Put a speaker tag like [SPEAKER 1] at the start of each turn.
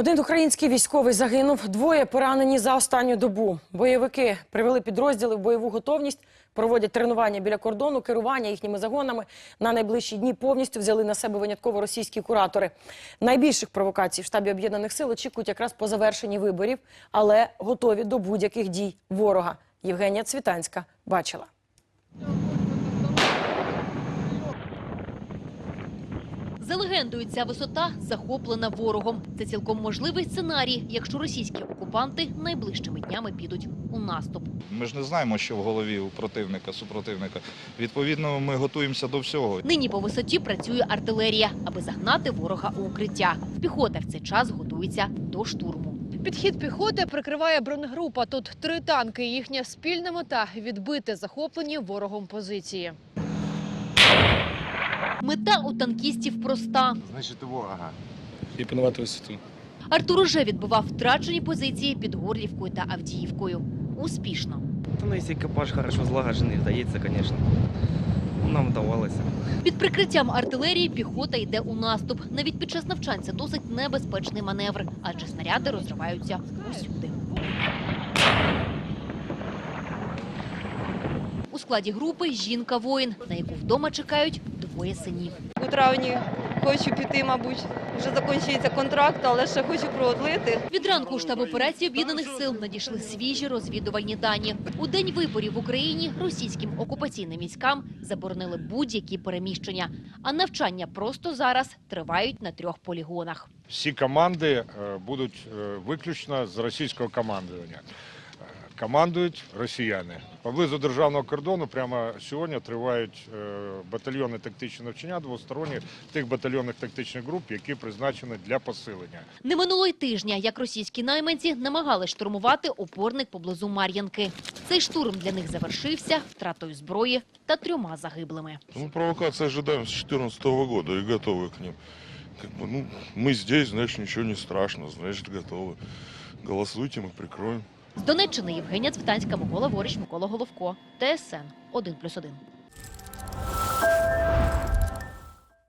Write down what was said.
[SPEAKER 1] Один український військовий загинув, двоє поранені за останню добу. Бойовики привели підрозділи в бойову готовність, проводять тренування біля кордону, керування їхніми загонами. На найближчі дні повністю взяли на себе винятково російські куратори. Найбільших провокацій в штабі Об'єднаних сил очікують якраз по завершенні виборів, але готові до будь-яких дій ворога. Євгенія Цвітанська бачила.
[SPEAKER 2] За легендою, ця висота захоплена ворогом. Це цілком можливий сценарій, якщо російські окупанти найближчими днями підуть у наступ.
[SPEAKER 3] Ми ж не знаємо, що в голові у супротивника. Відповідно, ми готуємося до всього.
[SPEAKER 2] Нині по висоті працює артилерія, аби загнати ворога у укриття. Піхота в цей час готується до штурму.
[SPEAKER 4] Підхід піхоти прикриває бронегрупа. Тут 3 танки. Їхня спільна мета – відбити захоплені ворогом позиції.
[SPEAKER 2] Мета у танкістів проста.
[SPEAKER 5] Значить, ворога.
[SPEAKER 6] І панувати висоту.
[SPEAKER 2] Артур уже відбивав втрачені позиції під Горлівкою та Авдіївкою. Успішно.
[SPEAKER 7] Ну, якщо екіпаж хорошо злагоджений, вдається, звісно. Нам вдавалося.
[SPEAKER 2] Під прикриттям артилерії піхота йде у наступ. Навіть під час навчань це досить небезпечний маневр, адже снаряди розриваються усюди. У складі групи жінка-воїн, на яку вдома чекають 2 синів.
[SPEAKER 8] У травні хочу піти, мабуть, вже закінчується контракт, але ще хочу продлити.
[SPEAKER 2] Від ранку у штаб операції Об'єднаних сил надійшли свіжі розвідувальні дані. У день виборів в Україні російським окупаційним військам заборонили будь-які переміщення. А навчання просто зараз тривають на 3 полігонах.
[SPEAKER 9] Всі команди будуть виключно з російського командування. Командують росіяни. Поблизу державного кордону прямо сьогодні тривають батальйони тактичні навчання двосторонні тих батальйонних тактичних груп, які призначені для посилення.
[SPEAKER 2] Не минуло й тижня, як російські найманці намагались штурмувати опорник поблизу Мар'їнки. Цей штурм для них завершився втратою зброї та 3 загиблими.
[SPEAKER 10] Мы провокации ожидаем с 2014 года и готовы к ним. Мы здесь, значит, ничего не страшно, значит, готовы. Голосуйте, мы прикроем.
[SPEAKER 2] З Донеччини Євгенія Цвітанська, Микола Ворич, Микола Головко, ТСН 1+1.